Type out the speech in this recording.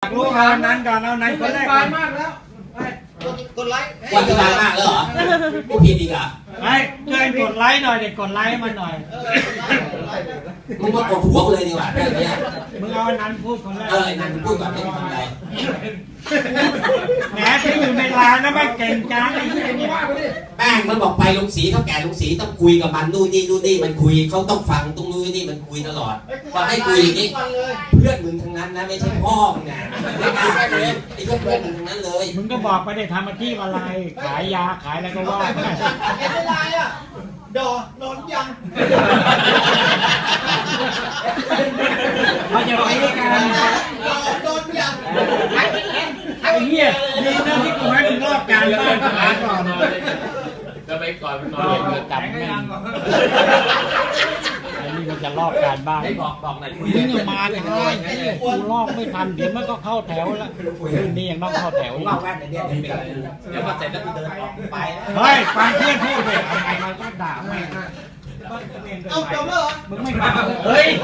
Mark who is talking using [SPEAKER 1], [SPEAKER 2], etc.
[SPEAKER 1] ากรู้เอานั้นก่อนเอานั้นคนแรกก่อน
[SPEAKER 2] มากแล้วกดไลค์
[SPEAKER 3] วันที่บายมากแล้วเหรอกูผิดอีกเหรอ
[SPEAKER 1] ไอ้ช่วยกดไลค์หน่อยเด็กกดไลค์ให้มันหน่อย
[SPEAKER 3] มึงมากดหัวกูเลยดีกว่าเรื่องนี้
[SPEAKER 1] มึงเอาอันนั้นพูดคนแรก
[SPEAKER 3] ไอ้นั่นพูดก่อนไม่ทำอะไร
[SPEAKER 1] แหมที่อยู่ในร้านนะไม่เก่งจังไอ้เหี้ยนี่
[SPEAKER 3] แป้งมันบอกไปลุงศรีเท่าแก่ลุงศรีต้องคุยกับมันนู่นนี่มันคุยเขาต้องฟังตรงนู้นนี่มันคุยตลอดว่าให้คุยอย่างนี้เพื่อนมึงทั้งนั้นนะไม่ใช่พ่อมึงนะไม่กล้าคุยไอ้เพื่อนมึงทั้งนั้นเลย
[SPEAKER 1] มึงก็บอกไปได้ทำอาชีพอะไรขายยาขายอะไรก็ว่าไป
[SPEAKER 2] เห็นอะไรอ่ะดอนอนยัง
[SPEAKER 1] เขาจะไปด้วยกัน
[SPEAKER 2] โดนยัง
[SPEAKER 1] ไอ้เหี้ยดีนะที่กูให้มึงรอบการบ้านหาก่อน
[SPEAKER 4] ก็ไปก่อนมันนอนเลย
[SPEAKER 1] จับแม่งไอ้นี่มันจะรอบการบ้าน
[SPEAKER 4] ให้บอกหน่อยคุย
[SPEAKER 1] มึงอย่ามาเลยกูลอกไม่ทันเดี๋ยวมันก็เข้าแถวแล้วคืนนี้ยังต้องเข้าแถว
[SPEAKER 3] ว่าแว่นเนี่ยเป็นเดี๋ยวพอเสร็จแล้วกูเดินออกไป
[SPEAKER 1] เฮ้ยฟังเพื่อนพูดเลยทำไมมันก็ด่าแม่ง
[SPEAKER 2] เอาจบแล้วเหรอ
[SPEAKER 1] มึงไม่ฟังเฮ้ย